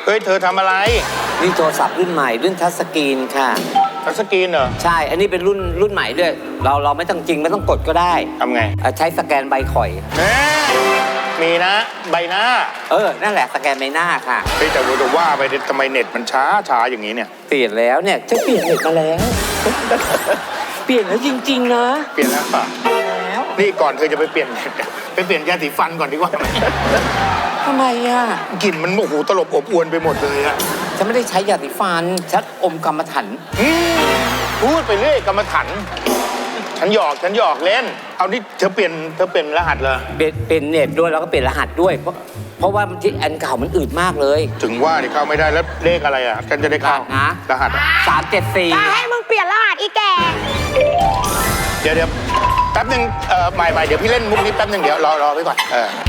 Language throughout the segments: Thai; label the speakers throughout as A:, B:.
A: ฮ้ยเธอทำอะไร
B: นี่โทรศัพท์รุ่นใหม่รุ่นทัชสกรีนค่ะ
A: ทัชสกรีนเหรอ
B: ใช่อันนี้เป็นรุ่นใหม่ด้วยเราไม่ต้องจริงไม่ต้องกดก็ได้
A: ทำไง
B: ใช้สแกนใบข่อย
A: มีนะใบหน้า
B: นั่นแหละสแกนใบหน้าค่ะ
A: เฮ้ยแต่ว่าไปทำไมเน็ตมันช้าอย่างนี้เนี่ย
B: เปลี่ยนแล้วเนี่ยจะเปลี่ยนเน็ตมาแล้วเปลี่ยนแล้วจริงๆนะ
A: เปลี่ยนแล้วป่ะแล้วนี่ก่อนเธอจะไปเปลี่ยนเน็ตไปเปลี่ยนยาสีฟันก่อนดีกว่า
B: ทำไมอ่ะ
A: กลิ่นมันโอ้โหตลบอบอวนไปหมดเลยอะ
B: ฉันไม่ได้ใช้ยาสีฟันฉันอมกรรมฐาน
A: พูดไปเรื่อยกรรมฐานฉันหยอกเล่นเอานี่เธอเปลี่ยนรหัสเลย
B: เปลี่ยนเน็ตด้วยแล้วก็เปลี่ยนรหัสด้วยเพราะว่าที่อันเก่ามันอืดมากเลย
A: ถึงว่าที่เข้าไม่ได้แล้วเลขอะไรอ่ะกันจะได้เข้า
B: นะ
A: รหัส
B: 374
C: จะให้มึงเปลี่ยนรหัสอีแก
A: เดี๋ยวแป๊บนึงใหม่เดี๋ยวพี่เล่นมุกนี้แป๊บนึงเดี๋ยวรอไว้ก่อน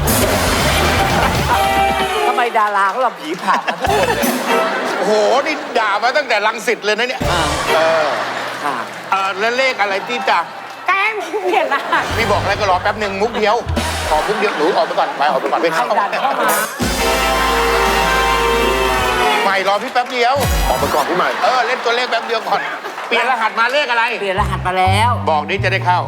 B: ทำไมดาราเขาเราผีผ่ามาทุกคนเลย
A: โอ้โหนี่ด่ามาตั้งแต่รังสิตเลยนะเนี่ยแล้วเลขอะไรที่จะ
C: แกมึงเปลี่ยนรหัส
A: พี่บอกอะไรก็รอแป๊บนึงมุกเดียวขอมุกเดียวหนูออกไปก่อนไปเข้า
B: ดันเข้ามา
A: ใหม่รอพี่แป๊บเดียวออกไปก่อนพี่ใหม่เล่นตัวเลขแป๊บเดียวก่อนเปลี่ยนรหัสมาเลขอะไร
B: เปลี่ยนรหัสมาแล้ว
A: บอกนี้จะได้เข้า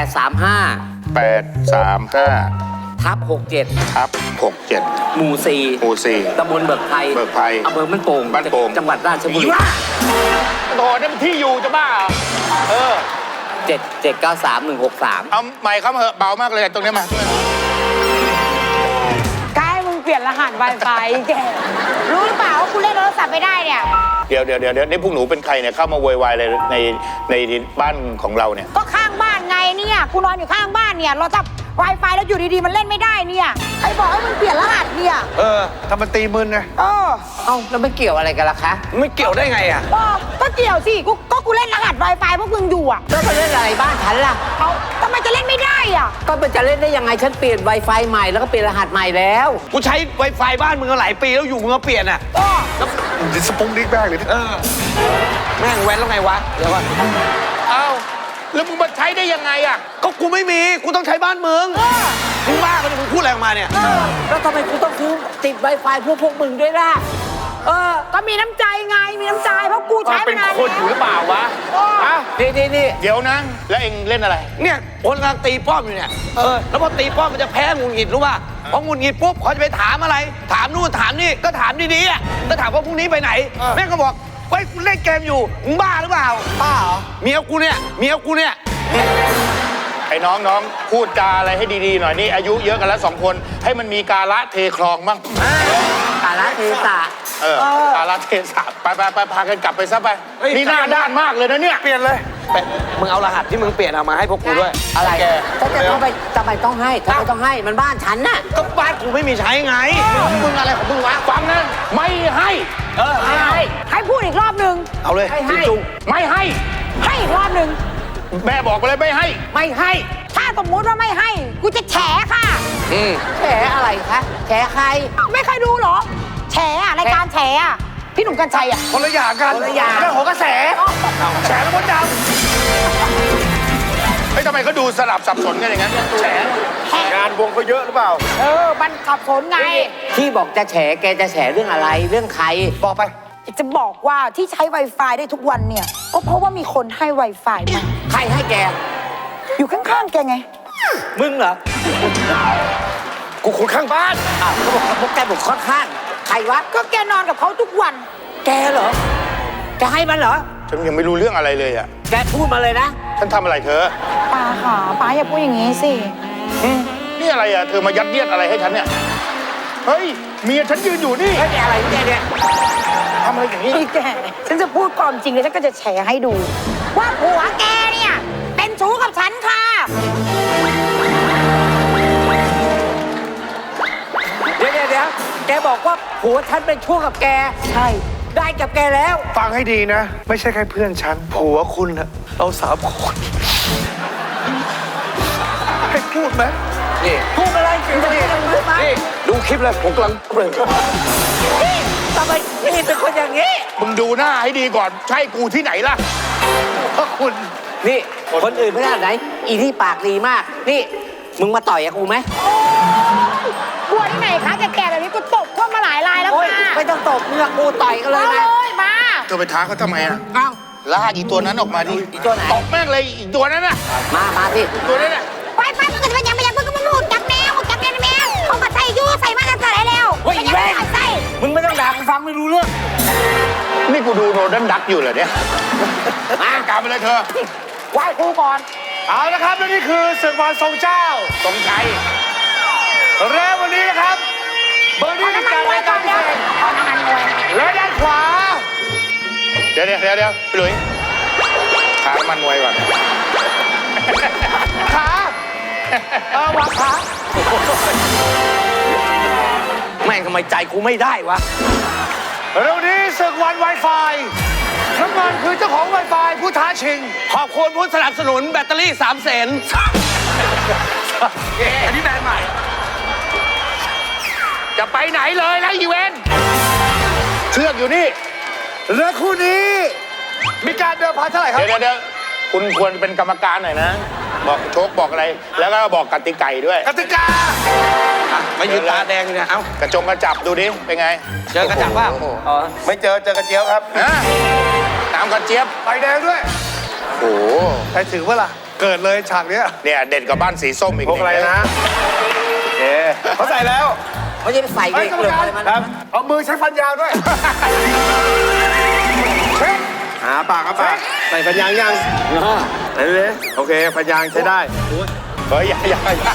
B: 835/67
A: ทับ67
B: หมู่4ตำบลเบิกไพรอำเภอบ้านโป่งจังหวัดราชบุรี
A: โดดนั่นที่อยู่จะบ้า
B: 7793163
A: เอาใหม่ครับเหอะเบามากเลยตรงนี้มา
C: ใกล้มึงเปลี่ยนรหัส Wi-Fi แกรู้หรือเปล่าว่ากูเล่นโทรศัพท์ไม่ได้เนี่ย
A: เดี๋ยวนี่พวกหนูเป็นใครเนี่ยเข้ามาโวยวายอะไรในบ้านของเราเนี่ย
C: ก็ข้างบ้านไงเนี่ยกูนอนอยู่ข้างบ้านเนี่ยเราจับ Wi-Fi แล้วอยู่ดีๆมันเล่นไม่ได้เนี่ยใครบอกให้มึงเปลี่ยนรหัสเนี่ย
A: ทำมันตีมึนไง
B: แล้วไม่เกี่ยวอะไรกันล่ะคะ
A: ไม่เกี่ยวได้ไงอ่ะ
C: ก็เกี่ยวสิกูเล่นรหัส Wi-Fi พวกมึงอยู่อ่ะ
B: แล้วมาเล่นอะไรบ้านฉันล่ะ
C: ทำไมจะเล่นไม่ได้อ่ะ
B: ก็มันจะเล่นได้ยังไงฉันเปลี่ยน Wi-Fi ใหม่แล้วก็เปลี่ยนรหัสใหม่แล้ว
A: กูใช้ Wi-Fi บ้านมึงมาหลายปีแล้วอยู่มึงมาเปลี่ยนอ่ะสปุ้งดิ๊กแม่งเลย
B: แม่งแว้นแล้วไงวะเดี๋ยวก่อน
A: แล้วมึงมาใช้ได้ยังไงอ่ะก็กูไม่มีกูต้องใช้บ้านมึงมึงบ้ากันมึงพูดอะไรออกมาเนี่ย
B: แล้วทำไมกูต้องซื้อติด Wi-Fi พวกมึงด้วยล่ะ
C: ก็มีน้ำใจไงมีน้ำใจเพราะกูใช้
A: เป็นคนอยู่หรือเปล่าวะ
B: นี่
A: เดี๋ยวนะแล้วเองเล่นอะไรเนี่ยคนกำลังตีป้อมอยู่เนี่ยแล้วพอตีป้อมมันจะแพ้งุนหงิดรู้ป่ะพองุนหงิดปุ๊บเขาจะไปถามอะไรถามนู่นถามนี่ก็ถามดีๆอ่ะก็ถามว่าพรุ่งนี้ไปไหนแม่ก็บอกเฮ้ยกูเล่นเกมอยู่มึงบ้าหรือเปล่า
B: บ้าเหรอ
A: เมียกูเนี่ยไอ้น้องพูดจาอะไรให้ดีๆหน่อยนี่อายุเยอะกันแล้ว2คนให้มันมีกาละเทคลองบ้าง
B: กาละเทศะ
A: กาละเทศะไปพากันกลับไปซะไปนี่หน้าด้านมากเลยนะเนี่ยเปลี่ยนเลยมึงเอารหัสที่มึงเปลี่ยนเอามาให้พวกกูด้วย
B: อะไรแกทำไมต้องให้มันบ้านฉันน่ะ
A: ก็บ้านกูไม่มีใช้ไงมึงอะไรของมึงวะฟังนะไม่ให้
C: ให้พูดอีกรอบนึง
A: เอาเลยไม่ให้
C: อีกรอบนึง
A: แม่บอกไปเลยไม่ให้
C: ถ้าสมมุติว่าไม่ให้กูจะแฉค่ะ
B: แฉอะไรคะแฉใคร
C: ไม่เคยดูเหรอแฉรายการแฉพี่หนุ่มกัญชัย
A: คนละอย่างกัน
B: คนละอย่าง
A: เรื่องของกระแสแฉแล้วมดดำทำไมเขาดูสลับสับสนกันอย่างนั้นแฉงานวงเขาเยอะหรือเปล่า
C: มันสับสนไง
B: ที่บอกจะแฉแกจะแฉเรื่องอะไรเรื่องใคร
A: บอกไป
C: จะบอกว่าที่ใช้ Wi-Fi ได้ทุกวันเนี่ยก็เพราะว่ามีคนให้ Wi-Fi มา
B: ใครให้แก
C: อยู่ข้างๆแกไง
B: มึงเหรอ
A: กูคนข้างบ้าน
B: เขาบอกพวกแกบอกข้างๆใครวะ
C: ก็แกนอนกับเขาทุกวัน
B: แกเหรอแกให้มันเหรอ
A: ฉันยังไม่รู้เรื่องอะไรเลยอ่ะ
B: แกพูดมาเลยนะ
A: ฉันทำอะไรเธอ
C: ป้าค่ะป้าอย่าพูดอย่างนี้สิ
A: นี่อะไรอ่ะเธอมายัดเยียดอะไรให้ฉันเนี่ยเฮ้ยเมียฉันยืนอยู่นี่
B: แกอะไรแกเนี่ย
A: ทำอะไรอย่างนี้
C: แกฉันจะพูดความจริงเลยฉันก็จะแฉให้ดูว่าผัวแกเนี่ยเป็นชู้กับฉันค่ะ
B: เดี๋ยวแกบอกว่าผัวฉันเป็นชู้กับแก
C: ใช่
B: ได้กับแกแล้ว
A: ฟังให้ดีนะไม่ใช่แค่เพื่อนฉันผัวคุณอะเรา3 คนให้พูดไหม
B: นี่พูดอะไรนี่
A: ดูคลิปเลยผมกำลังเปลือย
B: ทำไมนี่เป็นคนอย่างนี้
A: มึงดูหน้าให้ดีก่อนใช่กูที่ไหนล่ะเพราะคุณ
B: นี่คนอื่นไม่ได้ไหนอีที่ปากดีมากนี่มึงมาต่อยกับกูไหม
C: กลัวที่ไหนคะแก่ๆแบบนี้กูตบพวกมาหลายรายแล้วค่ะมา
B: ไม่ต้องตบมึงกับกูต่อยกันเลย
C: เอา
B: นะ
C: เลยมา
D: เธอไปท้าเขาทำไมอ่ะ
B: เอ้า
D: ลากอีตัวนั้นออกมาดิ
B: อีตัวไหน
D: ตบแม่งเลยอีตัวนั้นน่ะ
B: มาสิ
D: ตัวนั้นน่ะ
C: ไปมึงก็จะไปยังมึงก็มาหูจักแมวจักแมวแมวเขาก็ใส่ยูใส่มากันใส่แล้ว
B: เฮ้ย
C: ยัง
B: แม่
C: ไม่ใส่
B: มึงไม่ต้องด่ากูฟังไม่รู้เรื่อง
D: นี่กูดูโนดันดักอยู่เหรอเนี่ยมากลับไปเลยเธอ
C: ไหว้ครูก่อน
E: เอาละครับและนี่คือศึกวันทรงเจ้า
D: ตรงใจ
E: และวันนี้นะครับเบอร์ดี้
C: เอาน้ำมัน
E: จาก
C: มวย
E: ราย
C: ก่
E: กา
C: อ
E: ร
C: น
E: พิ
C: เดี๋ยว
E: เศษ
C: เอาน้ำมันมวย
E: และด้านขวา
D: เดี๋ยวพี่หลุยขาน้ำมันมวยก่อน
E: ขาวางขา
A: แม่งทำไมใจกูไม่ได้วะ
E: แล้ววันนี้ศึกวัน Wi-Fi น้ำมันคือเจ้าของ Wi-Fi ผู้ท้าชิง
A: ขอบคุณผู้สนับสนุนแบตเตอรี่3 แสนอันนี้แบรนด์ใหม่
D: จะไปไหนเลยแล้วอีเวนต์เชือกอยู่นี่
E: และคู่นี้มีการเดิมพันเท่าไหร่ครับ
D: เดี๋ยวคุณควรเป็นกรรมการหน่อยนะ บอกโชคบอกอะไร แล้วก็บอกกติกาด้วย
E: กติกา
A: มายืนตาแดงเนี่ย เอ้าก
D: ระจงกระจับดูดิ เป็นไง
A: เจอกระจับว่า
D: โอ้โห
B: อ๋อ
E: ไม่เจอกระเจียวครับ
D: ฮะตามกระเจี๊ยบ
E: ไฟแดงด้วย
D: โอ้โห
E: ใครถือว่าล่ะ เกิดเลยฉากเนี้ย
D: เนี่ยเด่นกับบ้านสีส้มอีก
E: พวกอะไรนะโอเคเขาใส่แล้ว
B: ไม่ใช่ไปใส่
E: ไอ้
B: เก
E: กรรม
B: ลือ
E: การ
B: อะไรมัน
E: ครับเอามือใช้ฟันยาวด้วยเช็คหาปากครับปากใส่ฟันยางยังไหนเลยโอเคฟันยางใช้ได้
D: เฮ้ยอย่า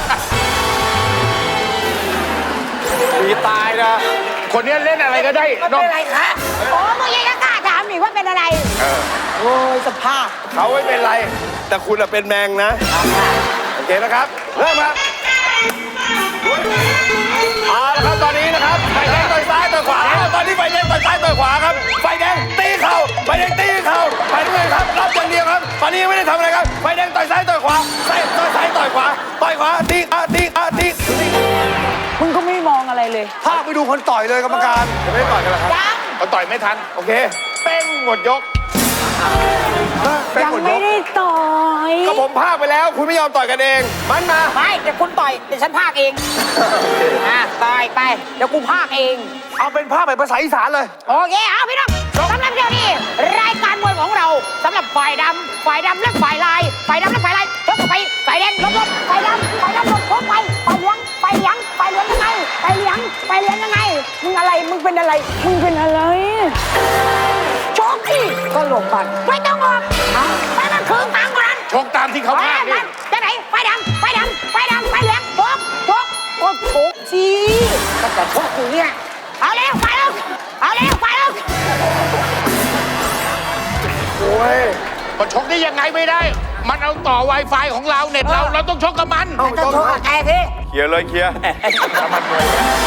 E: มีตายนะ
D: คนนี้เล่นอะไรก็ได้
C: มัน
D: นอก
C: เป็นอะไรคะโอ้มึงยังจะกล้าถามอีกว่าเป็นอะไร โอ้ยสภาพ
E: เขาไม่เป็นไร แต่คุณอะเป็นแมงนะ โอเคนะครับ เริ่มครับเอาละครับตอนนี้นะครับไฟแดงต่อยซ้ายต่อยขวาตอนนี้ไฟแดงต่อยซ้ายต่อยขวาครับไฟแดงตีเข่าไฟแดงตีเข่าไฟน้ำเงินครับรับอย่างเดียวครับตอนนี้ยังไม่ได้ทำอะไรครับไฟแดงต่อยซ้ายต่อยขวาต่อยซ้ายต่อยขวาต่อยขวาตีตี
C: มึงก็ไม่มองอะไรเลย
E: ภาคไปดูคนต่อยเลยกรรมการจะไม่ได้ต่อยกันเหรอครับ
C: ยัง
D: เขาต่อยไม่ทัน
E: โอเคเป้งหมดยกเป้ง
C: ยัง
E: หมดย
C: ไม่
E: ก
C: ได้ต่อย
E: ก็ผมภาคไปแล้วคุณไม่ยอมต่อยกันเองมันมา
C: ไม่เดี๋ยวคุณต่อยเดี๋ยวฉันพากเองต่อยไปเดี๋ยวกูพากเอง
E: เอาเป็นภาคแบบภาษาอีสานเลย
C: โอเค เอาพี่น้องสำหรับเดี๋ยวนี้รายการมวยของเราสำหรับฝ่ายดำและฝ่ายลายฝ่ายดำและฝ่ายลายยกไปฝ่ายแดงลบฝ่ายดำลบพบไปฝ่ายเหลืองยังไงฝ่ายเหลืองยังไงมึงอะไรมึงเป็นอะไรโชคดิก็หลบก่อนไม่ต้องหลบไปมันคืนตังค์ก่อน
D: ชกตามที่เขาพากนี่
C: จะไหนไฟดำไฟเหลืองโชกสิก็จะโชกกูเนี่ยเอาเร็วไปลูก
E: โอ้ย
D: มาชกได้ยังไงไม่ได้ มันเอาต่อ Wi-Fi ของเราเน็ตเราต้องชกกับมัน
C: จะโชกกับแกสิ
E: เคลียร์เลยเคลียร์
D: น้ำมันมวย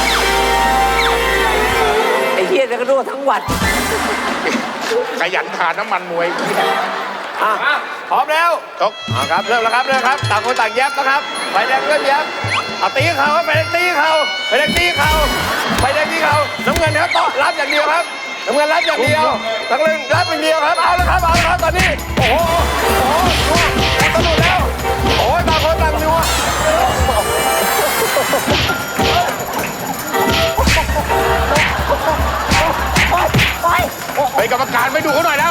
B: ไอ้เหี้ยจะกระโดดทั้งวัน
D: ขยันขาน้ำมันมวย
E: พร้อมแล้ว
D: ชก
E: เอาครับเริ่มแล้วครับต่างคนต่างแยบนะครับไฟแดงเริ่มแยบเอาตีเข่าครับไฟแดงตีเข่าน้ำเงินครับต่อรับอย่างเดียวครับน้ำเงินรับอย่างเดียวน้ำเงินรับอย่างเดียวครับเอาละครับตอนนี้โอ้โหสนุกแล้วโอ้ยต่างคนต่างนัว
D: ไปกรรมการไปดูเขาหน่อยแล้ว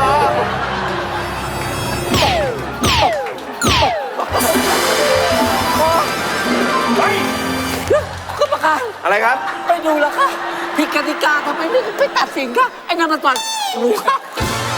B: ก็ประกาศ
E: อะไรครับ
B: ไปดูแล้วค่ะผิดกติกาทำไมไม่ตัดสินคะไอ้นั่นมันต่อยหนูค่ะ